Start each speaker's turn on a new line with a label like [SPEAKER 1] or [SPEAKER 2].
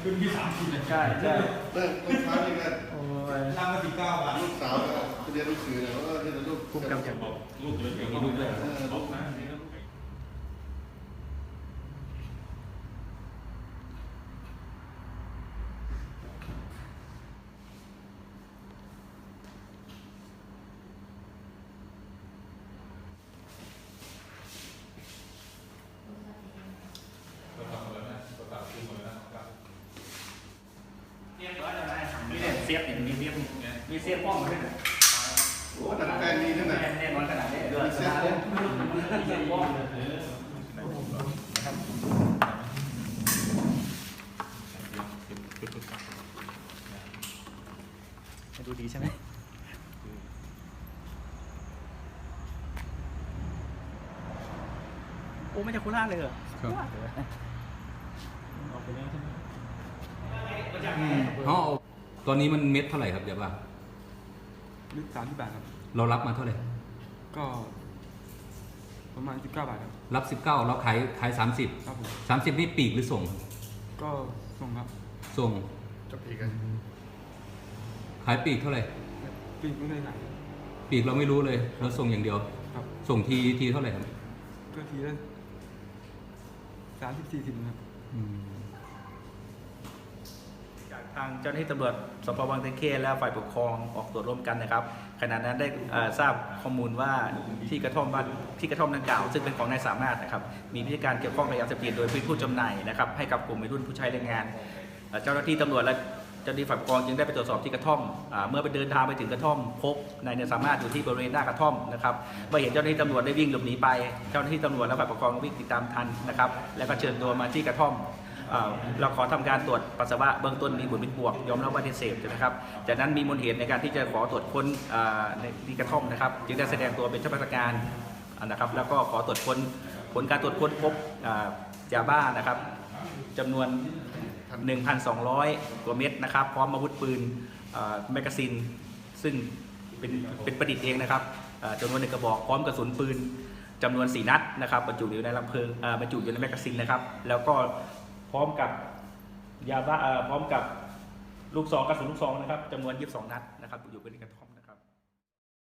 [SPEAKER 1] ขึ้นที่30เลย
[SPEAKER 2] ใช่
[SPEAKER 3] เมื่อเช้านี่ก็
[SPEAKER 1] ร่างละ19 บาท
[SPEAKER 3] ลูกสาวก็เรียนหนังสือเนี่ยว่าเรียนลูก
[SPEAKER 2] คุ้มกำจัด
[SPEAKER 1] ลูกเลย
[SPEAKER 2] มีลูกด้วย
[SPEAKER 1] บอกนะ
[SPEAKER 2] เสียบอย่างนี้มีเสียบป้องมาด้วยนะ
[SPEAKER 3] โอ้แต่แฟนมีนั่นน่ะ
[SPEAKER 2] แน่นอนขนาดนี้เดือดขนาดนี้เสียบป้องดูดีใช่ไหมโอ้ไม่ใช่โคราชเลยเหรอ
[SPEAKER 4] อ๋อตอนนี้มันเม็ดเท่าไหร่ครับเดี๋ยวว่า
[SPEAKER 5] ลึก30 บาทครับ
[SPEAKER 4] เรารับมาเท่าไหร่
[SPEAKER 5] ก็ประมาณ19 บาทครับ
[SPEAKER 4] รับ19เราขาย30
[SPEAKER 5] ครับผม
[SPEAKER 4] 30นี่ปีกหรือส่ง
[SPEAKER 5] ก็ส่งครับ
[SPEAKER 4] ส่ง
[SPEAKER 3] จะปีกัน
[SPEAKER 4] ขายปีกเท่าไหร่
[SPEAKER 5] ปีกไม่ได้ไหน
[SPEAKER 4] ปีกเราไม่รู้เลยเราส่งอย่างเดียว
[SPEAKER 5] ครับ
[SPEAKER 4] ส่งทีเท่าไหร่ครับ
[SPEAKER 5] ก็ทีละ30-40ครับ
[SPEAKER 2] จากทางเจ้าหน้าที่ตำรวจสพบางตะเข้และฝ่ายปกครองออกตรวจร่วมกันนะครับขณะนั้นได้ทราบข้อมูลว่าที่กระท่อมดังกล่าวซึ่งเป็นของนายสามารถนะครับมีพฤติการเกี่ยวข้องกับยาเสพติดโดยผู้จำหน่ายนะครับให้กับกลุ่มวัยรุ่นผู้ใช้แรงงานเจ้าหน้าที่ตำรวจและเจ้าหน้าที่ฝ่ายปกครองจึงได้ไปตรวจสอบที่กระท่อมเมื่อไปเดินทางไปถึงกระท่อมพบนายสามารถอยู่ที่บริเวณหน้ากระท่อมนะครับเมื่อเห็นเจ้าหน้าที่ตำรวจได้วิ่งหลบหนีไปเจ้าหน้าที่ตำรวจและฝ่ายปกครองวิ่งติดตามทันนะครับแล้วก็เชิญตัวมาที่กระท่อมเราขอทำการตรวจปัสสาวะเบื้องต้นมีผลเป็นบวกยอมรับว่าได้เสพนะครับจากนั้นมีมูลเหตุในการที่จะขอตรวจค้นในที่กระท่อมนะครับจึงได้แสดงตัวเป็นเจ้าพนักงานนะครับแล้วก็ขอตรวจค้นผลการตรวจค้นพบยาบ้านะครับจำนวน 1,200 กว่าเม็ดนะครับพร้อมอาวุธปืนแมกกาซีนซึ่งเป็นประดิษฐ์เองนะครับจำนวน1 กระบอกพร้อมกระสุนปืนจำนวน4 นัดนะครับบรรจุอยู่ในลำเพลิงบรรจุอยู่ในแมกกาซีนนะครับแล้วก็พร้อมกับยาบ้าพร้อมกับลูกซองกระสุนลูกซองนะครับจำนวน22 นัดนะครับอยู่ในกระท่อม